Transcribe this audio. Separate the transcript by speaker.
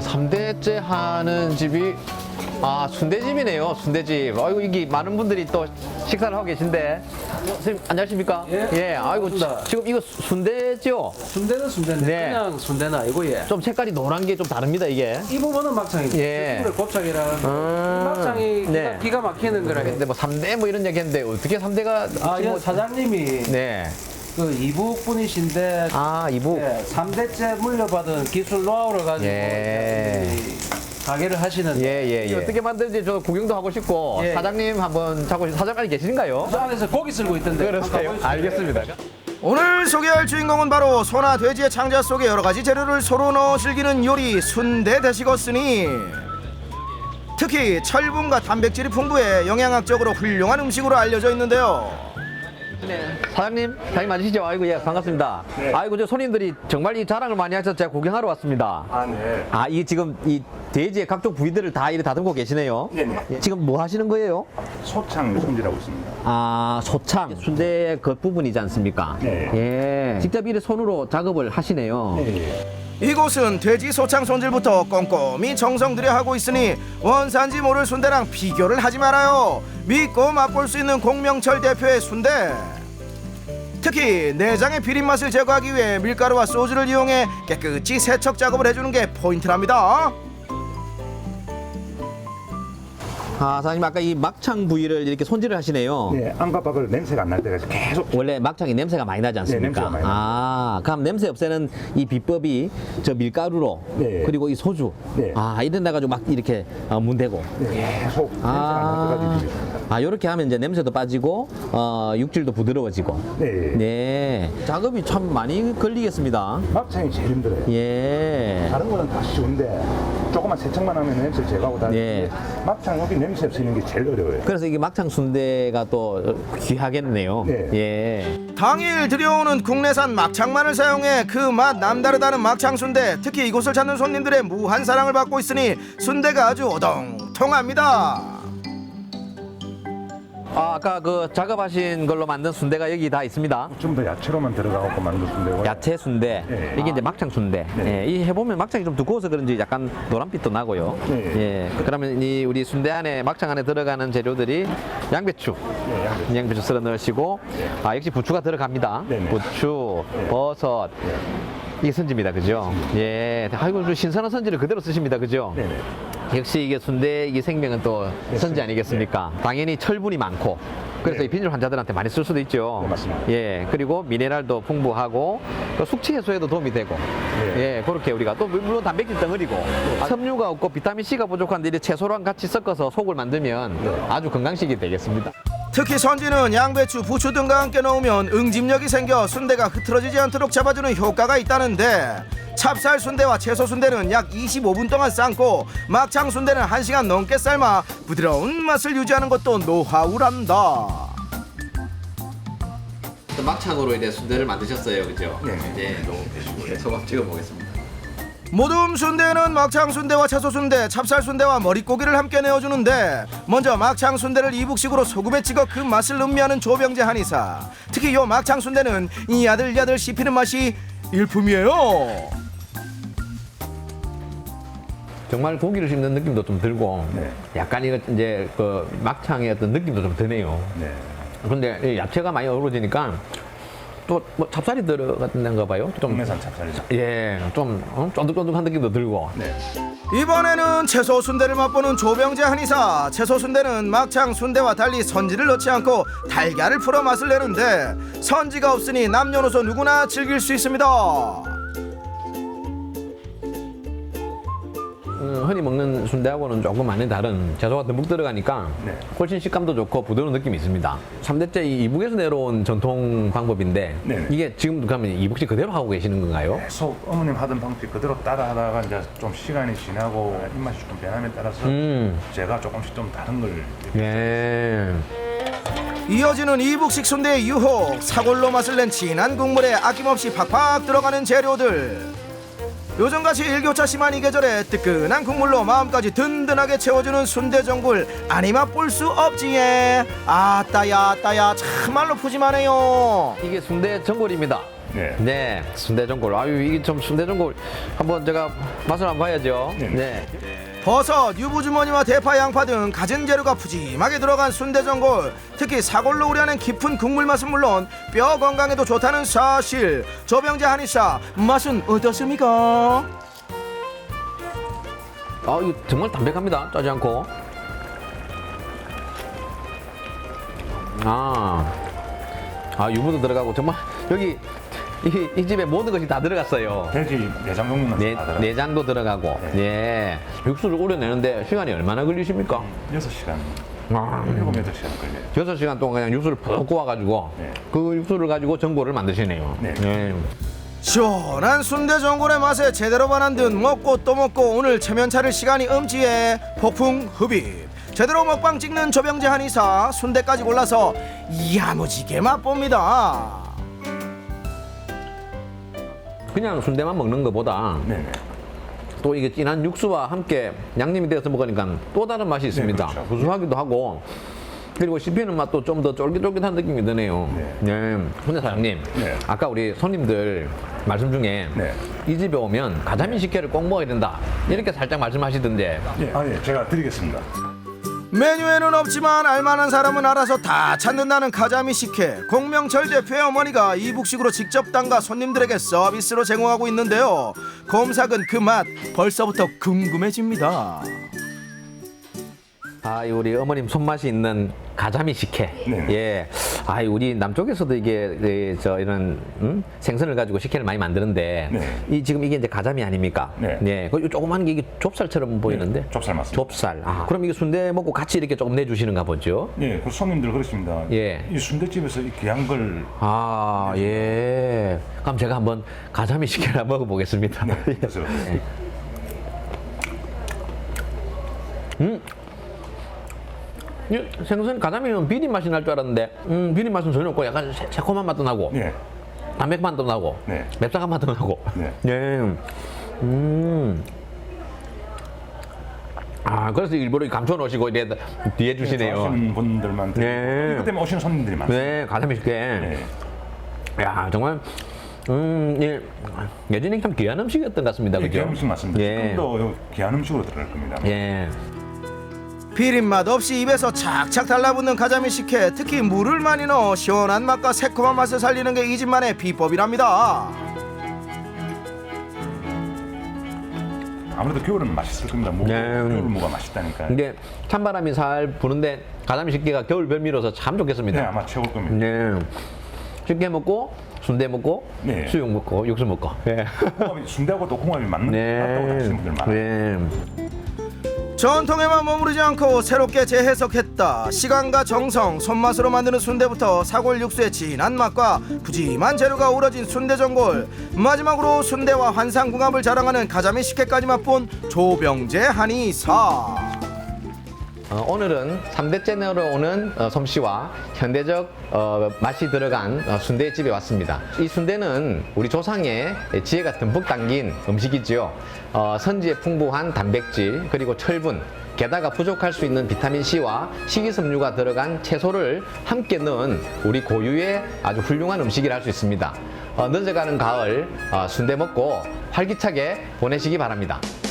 Speaker 1: 3대째 하는 집이 순대집이네요. 순대집. 아이고, 이게 많은 분들이 또 식사를 하고 계신데. 선생님, 안녕하십니까?
Speaker 2: 예.
Speaker 1: 아이고,
Speaker 2: 반갑습니다.
Speaker 1: 지금 이거 순대죠?
Speaker 2: 순대는 순대인데
Speaker 1: 네.
Speaker 2: 그냥 순대는 아니고 예.
Speaker 1: 좀 색깔이 노란 게 좀 다릅니다, 이게.
Speaker 2: 이 부분은 막창입니다.
Speaker 1: 예.
Speaker 2: 예. 곱창이라 막창이
Speaker 1: 네.
Speaker 2: 기가 막히는 거라.
Speaker 1: 근데 뭐 3대 뭐 이런 얘기 했는데 어떻게 3대가
Speaker 2: 예, 사장님이
Speaker 1: 네.
Speaker 2: 그 이북 분이신데
Speaker 1: 이북.
Speaker 2: 예, 3대째 물려받은 기술 노하우를 가지고
Speaker 1: 예.
Speaker 2: 이 가게를 하시는데
Speaker 1: 예. 어떻게 만드는지 저 구경도 하고 싶고
Speaker 2: 예.
Speaker 1: 사장님 한번 사장까지 계신가요?
Speaker 2: 저 안에서 고기 쓸고 있던데
Speaker 1: 그러세요?
Speaker 2: 한번 가보시죠.
Speaker 1: 알겠습니다.
Speaker 3: 오늘 소개할 주인공은 바로 소나 돼지의 창자 속에 여러 가지 재료를 서로 넣어 즐기는 요리 순대 되시겠으니 특히 철분과 단백질이 풍부해 영양학적으로 훌륭한 음식으로 알려져 있는데요.
Speaker 1: 사장님 맞으시죠? 아이고, 예, 반갑습니다.
Speaker 4: 네.
Speaker 1: 아이고, 저 손님들이 정말 이 자랑을 많이 하셔서 제가 구경하러 왔습니다.
Speaker 4: 네.
Speaker 1: 이 지금 이 돼지의 각종 부위들을 다 이렇게 다듬고 계시네요.
Speaker 4: 네네.
Speaker 1: 예, 지금 뭐 하시는 거예요?
Speaker 4: 소창 손질하고 있습니다.
Speaker 1: 소창, 순대의 겉부분이지 않습니까?
Speaker 4: 네.
Speaker 1: 예. 직접 이렇게 손으로 작업을 하시네요.
Speaker 4: 네.
Speaker 3: 이곳은 돼지 소창 손질부터 꼼꼼히 정성 들여 하고 있으니 원산지 모를 순대랑 비교를 하지 말아요. 믿고 맛볼 수 있는 공명철 대표의 순대. 특히 내장의 비린 맛을 제거하기 위해 밀가루와 소주를 이용해 깨끗이 세척 작업을 해주는 게 포인트랍니다.
Speaker 1: 사장님 아까 이 막창 부위를 이렇게 손질을 하시네요.
Speaker 4: 네, 안과 밖으로 냄새가 안 날 때가 계속
Speaker 1: 원래 막창이 냄새가 많이 나지 않습니까?
Speaker 4: 네, 냄새가 많이
Speaker 1: 그럼 냄새 없애는 이 비법이 저 밀가루로
Speaker 4: 네.
Speaker 1: 그리고 이 소주
Speaker 4: 네.
Speaker 1: 이런 데 가지고 막 이렇게 문대고
Speaker 4: 계속 냄새가 안 날 때까지 비비습니다.
Speaker 1: 이렇게 하면 이제 냄새도 빠지고 육질도 부드러워지고
Speaker 4: 네.
Speaker 1: 작업이 참 많이 걸리겠습니다.
Speaker 4: 막창이 제일 힘들어요.
Speaker 1: 예.
Speaker 4: 다른 거는 다 쉬운데 조금만 세척만 하면 냄새 제거하고 다
Speaker 1: 네.
Speaker 4: 하는데 막창 여기 냄새 없애는 게 제일 어려워요.
Speaker 1: 그래서 이게 막창 순대가 또 귀하겠네요.
Speaker 4: 네.
Speaker 1: 예.
Speaker 3: 당일 들여오는 국내산 막창만을 사용해 그 맛 남다르다는 막창 순대. 특히 이곳을 찾는 손님들의 무한 사랑을 받고 있으니 순대가 아주 오동통합니다.
Speaker 1: 아까 그 작업하신 걸로 만든 순대가 여기 다 있습니다.
Speaker 4: 좀 더 야채로만 들어가고 만든 순대고.
Speaker 1: 야채 순대,
Speaker 4: 네.
Speaker 1: 이게 이제 막창 순대.
Speaker 4: 네.
Speaker 1: 이 해보면 막창이 좀 두꺼워서 그런지 약간 노란빛도 나고요.
Speaker 4: 네.
Speaker 1: 예. 그러면 이 우리 순대 안에 막창 안에 들어가는 재료들이 양배추,
Speaker 4: 네,
Speaker 1: 양배추 썰어 넣으시고, 역시 부추가 들어갑니다.
Speaker 4: 네, 네.
Speaker 1: 부추, 버섯. 이게 선지입니다, 그죠? 예. 아이고, 좀 신선한 선지를 그대로 쓰십니다, 그죠?
Speaker 4: 네네.
Speaker 1: 역시 이게 순대 이게 생명은 또 선지 아니겠습니까? 당연히 철분이 많고 그래서
Speaker 4: 네.
Speaker 1: 이 빈혈 환자들한테 많이 쓸 수도 있죠.
Speaker 4: 네, 맞습니다.
Speaker 1: 예, 그리고 미네랄도 풍부하고 또 숙취 해소에도 도움이 되고
Speaker 4: 네.
Speaker 1: 예, 그렇게 우리가 또 물론 단백질 덩어리고 섬유가 없고 비타민 C가 부족한데 이제 채소랑 같이 섞어서 속을 만들면 아주 건강식이 되겠습니다.
Speaker 3: 특히 선지는 양배추, 부추 등과 함께 넣으면 응집력이 생겨 순대가 흐트러지지 않도록 잡아주는 효과가 있다는데 찹쌀 순대와 채소 순대는 약 25분 동안 삶고 막창 순대는 1시간 넘게 삶아 부드러운 맛을 유지하는 것도 노하우란다.
Speaker 1: 막창으로 이제 순대를 만드셨어요, 그죠?
Speaker 4: 네.
Speaker 1: 이제 소금 찍어 보겠습니다.
Speaker 3: 모둠 순대는 막창 순대와 채소 순대, 찹쌀 순대와 머릿고기를 함께 내어주는데 먼저 막창 순대를 이북식으로 소금에 찍어 그 맛을 음미하는 조병재 한의사. 특히 요 막창 순대는 이 야들야들 씹히는 맛이 일품이에요.
Speaker 1: 정말 고기를 씹는 느낌도 좀 들고
Speaker 4: 네.
Speaker 1: 약간 이거 이제 그 막창의 어떤 느낌도 좀 드네요.
Speaker 4: 네.
Speaker 1: 근데 이 야채가 많이 어우러지니까 또 뭐 찹쌀이 들어갔는가 봐요. 좀
Speaker 4: 국내산 찹쌀이죠.
Speaker 1: 좀 쫀득쫀득한 느낌도 들고.
Speaker 4: 네.
Speaker 3: 이번에는 채소 순대를 맛보는 조병재 한의사. 채소 순대는 막창 순대와 달리 선지를 넣지 않고 달걀을 풀어 맛을 내는데 선지가 없으니 남녀노소 누구나 즐길 수 있습니다.
Speaker 1: 흔히 먹는 순대하고는 조금 많이 다른 채소가 듬뿍 들어가니까
Speaker 4: 네.
Speaker 1: 훨씬 식감도 좋고 부드러운 느낌이 있습니다. 3대째 이북에서 내려온 전통 방법인데
Speaker 4: 네네.
Speaker 1: 이게 지금 그러면 이북식 그대로 하고 계시는 건가요?
Speaker 4: 계속 어머님 하던 방식 그대로 따라 하다가 이제 좀 시간이 지나고 입맛이 좀 변함에 따라서 제가 조금씩 좀 다른 걸
Speaker 1: 예.
Speaker 3: 이어지는 이북식 순대의 유혹. 사골로 맛을 낸 진한 국물에 아낌없이 팍팍 들어가는 재료들. 요즘같이 일교차 심한 이 계절에 뜨끈한 국물로 마음까지 든든하게 채워주는 순대전골 아니 맛볼 수 없지예. 아따야 참말로 푸짐하네요.
Speaker 1: 이게 순대 전골입니다.
Speaker 4: 네.
Speaker 1: 네, 순대전골. 아유, 이게 좀 순대전골 한번 제가 맛을 한번 봐야죠.
Speaker 4: 네.
Speaker 1: 네.
Speaker 3: 버섯, 유부주머니와 대파, 양파 등 갖은 재료가 푸짐하게 들어간 순대전골. 특히 사골로 우려낸 깊은 국물 맛은 물론 뼈 건강에도 좋다는 사실. 조병재 한의사 맛은 어떻습니까?
Speaker 1: 아, 이거 정말 담백합니다. 짜지 않고. 유부도 들어가고 정말 여기 이 집에 모든 것이 다 들어갔어요.
Speaker 4: 돼지 내장 종류는 다 들어가요.
Speaker 1: 내장도 들어가고. 예. 육수를 우려내는데 시간이 얼마나 걸리십니까?
Speaker 4: 6시간,
Speaker 1: 아,
Speaker 4: 7, 8시간 걸려요.
Speaker 1: 6시간 동안 그냥 육수를 푹 구워가지고
Speaker 4: 네.
Speaker 1: 그 육수를 가지고 전골을 만드시네요.
Speaker 4: 네.
Speaker 1: 예.
Speaker 3: 시원한 순대전골의 맛에 제대로 반한 듯 먹고 또 먹고 오늘 체면차릴 시간이 엄지에 폭풍 흡입. 제대로 먹방 찍는 조병재 한의사 순대까지 골라서 야무지게 맛봅니다.
Speaker 1: 그냥 순대만 먹는 것보다
Speaker 4: 네네.
Speaker 1: 또 이게 진한 육수와 함께 양념이 되어서 먹으니까 또 다른 맛이 있습니다.
Speaker 4: 그렇죠.
Speaker 1: 구수하기도 하고 그리고 씹히는 맛도 좀 더 쫄깃쫄깃한 느낌이 드네요.
Speaker 4: 네.
Speaker 1: 근데 사장님,
Speaker 4: 네.
Speaker 1: 아까 우리 손님들 말씀 중에
Speaker 4: 네.
Speaker 1: 이 집에 오면 가자미 식혜를 꼭 먹어야 된다 이렇게 살짝 말씀하시던데
Speaker 4: 예, 제가 드리겠습니다.
Speaker 3: 메뉴에는 없지만 알만한 사람은 알아서 다 찾는다는 가자미 식혜. 공명철 대표의 어머니가 이북식으로 직접 담가 손님들에게 서비스로 제공하고 있는데요. 곰삭은 그 맛 벌써부터 궁금해집니다.
Speaker 1: 우리 어머님 손맛이 있는 가자미 식혜.
Speaker 4: 네.
Speaker 1: 예. 우리 남쪽에서도 이게 이런 생선을 가지고 식혜를 많이 만드는데
Speaker 4: 네.
Speaker 1: 지금 이게 이제 가자미 아닙니까?
Speaker 4: 네.
Speaker 1: 그 조그만 게 이게 좁쌀처럼 보이는데.
Speaker 4: 좁쌀 맞습니다.
Speaker 1: 좁쌀. 그럼 이게 순대 먹고 같이 이렇게 조금 내주시는가 보죠?
Speaker 4: 예, 그 손님들 그렇습니다.
Speaker 1: 예.
Speaker 4: 이 순대집에서 이 귀한 걸
Speaker 1: 예. 그럼 제가 한번 가자미 식혜를 한번 먹어보겠습니다.
Speaker 4: 그래서
Speaker 1: 이 생선 가자미는 비린 맛이 날 줄 알았는데 비린 맛은 전혀 없고 약간 새콤한 맛도 나고
Speaker 4: 예,
Speaker 1: 담백 맛도 나고
Speaker 4: 네.
Speaker 1: 맵상한 맛도 나고
Speaker 4: 네.
Speaker 1: 예. 그래서 일부러 감춰 놓으시고 이래 뒤에 주시네요.
Speaker 4: 좋아하시는 분들만 드리고
Speaker 1: 네.
Speaker 4: 이것 때문에 오시는 손님들이 많습니다.
Speaker 1: 네, 가자미 식혜.
Speaker 4: 네.
Speaker 1: 야, 정말 예. 예전에 참 귀한 음식이었던 것 같습니다.
Speaker 4: 예,
Speaker 1: 그죠?
Speaker 4: 귀한 음식 맞습니다.
Speaker 1: 예.
Speaker 4: 지금도 귀한 음식으로 들어갈 겁니다.
Speaker 1: 예.
Speaker 3: 비린맛 없이 입에서 착착 달라붙는 가자미 식혜. 특히 물을 많이 넣어 시원한 맛과 새콤한 맛을 살리는 게 이 집만의 비법이랍니다.
Speaker 4: 아무래도 겨울은 맛있을 겁니다.
Speaker 1: 네.
Speaker 4: 겨울 무가 맛있다니까.
Speaker 1: 이게 찬바람이 살 부는데 가자미 식혜가 겨울 별미로서 참
Speaker 4: 네,
Speaker 1: 좋겠습니다.
Speaker 4: 아마 최고일 겁니다.
Speaker 1: 네. 식혜 먹고 순대 먹고
Speaker 4: 네.
Speaker 1: 수육 먹고 육수 먹고. 예.
Speaker 4: 홍합이 순대하고 또 홍합이 맞다고 하시는 분들 많아요.
Speaker 1: 네.
Speaker 3: 전통에만 머무르지 않고 새롭게 재해석했다. 시간과 정성, 손맛으로 만드는 순대부터 사골 육수의 진한 맛과 푸짐한 재료가 우러진 순대전골. 마지막으로 순대와 환상궁합을 자랑하는 가자미 식혜까지 맛본 조병재 한의사.
Speaker 1: 오늘은 3대째내로 오는 솜씨와 현대적 맛이 들어간 순대집에 왔습니다. 이 순대는 우리 조상의 지혜가 듬뿍 담긴 음식이지요. 선지에 풍부한 단백질 그리고 철분 게다가 부족할 수 있는 비타민C와 식이섬유가 들어간 채소를 함께 넣은 우리 고유의 아주 훌륭한 음식이라 할 수 있습니다. 늦어가는 가을 순대 먹고 활기차게 보내시기 바랍니다.